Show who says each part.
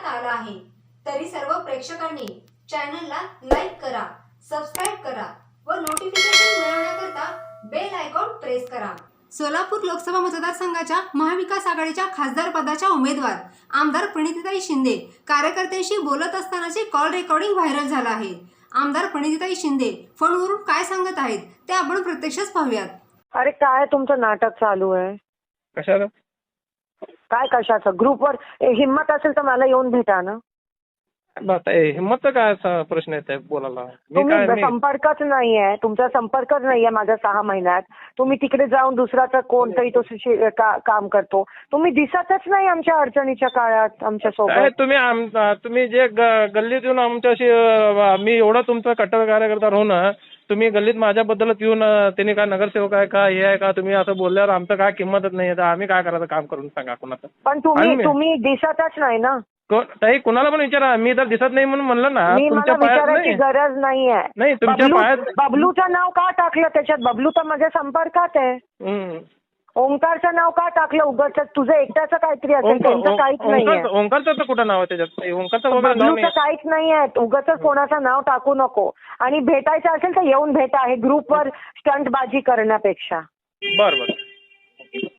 Speaker 1: आला आहे. तरी सर्व प्रेक्षकांनी चॅनलला लाईक करा, सबस्क्राईब करा व नोटिफिकेशन मिळवण्याकरता बेल आयकॉन प्रेस करा. सोलापूर लोकसभा मतदारसंघाच्या महाविकास आघाडीच्या खासदार पदाच्या उमेदवार आमदार प्रणितीताई शिंदे कार्यकर्त्यांशी बोलत असतानाचे कॉल रेकॉर्डिंग व्हायरल झालं आहे. आमदार प्रणितीताई शिंदे फोनवरून काय सांगत आहेत ते आपण प्रत्यक्षच पाहूयात.
Speaker 2: अरे काय तुमचं नाटक चालू आहे?
Speaker 3: कशाला?
Speaker 2: काय कशाचं? ग्रुपवर हिम्मत असेल तर मला येऊन भेटा ना.
Speaker 3: हिंमतचा काय असा प्रश्न येत आहे बोलायला?
Speaker 2: तुम्ही संपर्कच नाहीये, तुमचा संपर्कच नाहीये माझ्या 6 महिन्यात. तुम्ही तिकडे जाऊन दुसराचा कोणतरी तो काम करतो. तुम्ही दिसतच नाही आमच्या अडचणीच्या काळात आमच्या सोबत.
Speaker 3: तुम्ही जे गल्लीत येऊन आमच्याशी मी एवढा तुमचा कट्टर कार्यकर्ता राहून तुम्ही गल्लीत माझ्याबद्दलच येऊन त्यांनी काय नगरसेवक आहे का हे आहे का तुम्ही असं बोलल्यावर आमचं काय किंमतच नाही तर आम्ही काय करायचं काम करून सांगा कोणाचं?
Speaker 2: पण तुम्ही दिसतच नाही ना.
Speaker 3: ताई कुणाला पण विचारा, मी तर दिसत नाही म्हणून म्हणलं ना.
Speaker 2: तुमच्या विचारायची गरज नाहीये.
Speaker 3: नाही तुमच्या पायात
Speaker 2: बबलूचं नाव का टाकलं त्याच्यात? बबलू तर माझ्या संपर्कात आहे. ओंकारचं नाव का टाकलं? उगाच तुझं एकट्याचं काहीतरी असेल, त्यांचं काहीच नाहीये.
Speaker 3: ओंकारचं तर कुठं नाव आहे त्याच्यात? ओंकारचं
Speaker 2: बबलूचं काहीच नाहीये. उगाच कोणाचं नाव टाकू नको. आणि भेटायचं असेल तर येऊन भेटा. हे ग्रुपवर स्टंटबाजी करण्यापेक्षा.
Speaker 3: बरं.